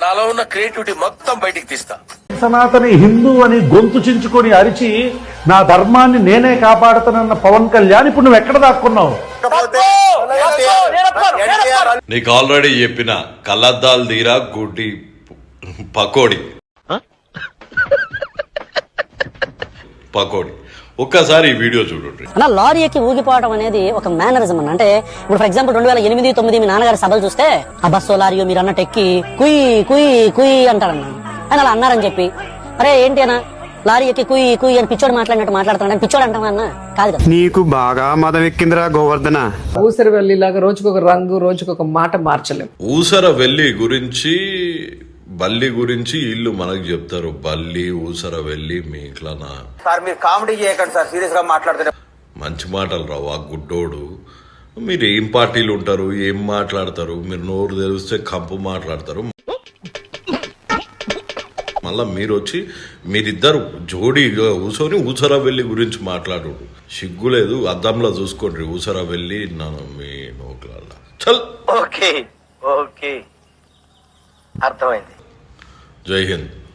నాలో ఉన్న క్రియేటివిటీ మొత్తం బయటికి తీస్తా. సనాతని హిందూ అని గొంతు చించుకొని అరిచి నా ధర్మాన్ని నేనే కాపాడుతానన్న పవన్ కళ్యాణ్ ఇప్పుడు నువ్వు ఎక్కడ దాక్కున్నావు? నీకు ఆల్రెడీ చెప్పిన కళ్ళద్దాలు తీరా గుడ్డి పకోడి ఒక్కసారి ఈ వీడియో చూడండి. అలా లారీ ఎక్కి ఊగిపోవడం అనేది ఒక మేనరిజం అన్న. అంటే ఇప్పుడు ఫర్ ఎగ్జాంపుల్ 2008-9 మీ నాన్నగారి సభలు చూస్తే ఆ బస్సు లారీ మీరు అన్నట్టు ఎక్కి కుయ్ కుయ్ కుయ్ అంటారన్న. అని అలా అన్నారని చెప్పి అరే ఏంటి అన్న లారీ ఎక్కి కుయ్ కుయ్ అని పిచ్చోడు మాట్లాడినట్టు మాట్లాడుతున్నాడు పిచ్చోడు అంటావా అన్న? కాదు కదా. నీకు బాగా మదం ఎక్కిందిరా గోవర్ధన. ఊసరవెల్లి లాగా రోజుకొక రంగు రోజుకొక మాట మార్చలేము. ఊసరవెల్లి గురించి బల్లి గురించి ఇల్లు మనకు చెప్తారు. బల్లి ఊసరవెల్లి మీ ఇట్లానా సార్ మీరు కామెడీ చేయకండి సార్, సీరియస్ గా మాట్లాడుతున్నారు. మంచి మాటలు రావు ఆ గుడ్డోడు. మీరు ఏం పార్టీలు ఉంటారు, ఏం మాట్లాడతారు, మీరు నోరు తెరిస్తే కంపు మాట్లాడతారు. మళ్ళా మీరు వచ్చి మీరిద్దరు జోడీగా కూర్చొని ఊసరవెల్లి గురించి మాట్లాడు. సిగ్గు లేదు, అద్దంలో చూసుకోండి. ఊసరవెల్లి నన్ను మీ నోట్ల చల్. ఓకే ఓకే అర్థమైంది. జై హింద్.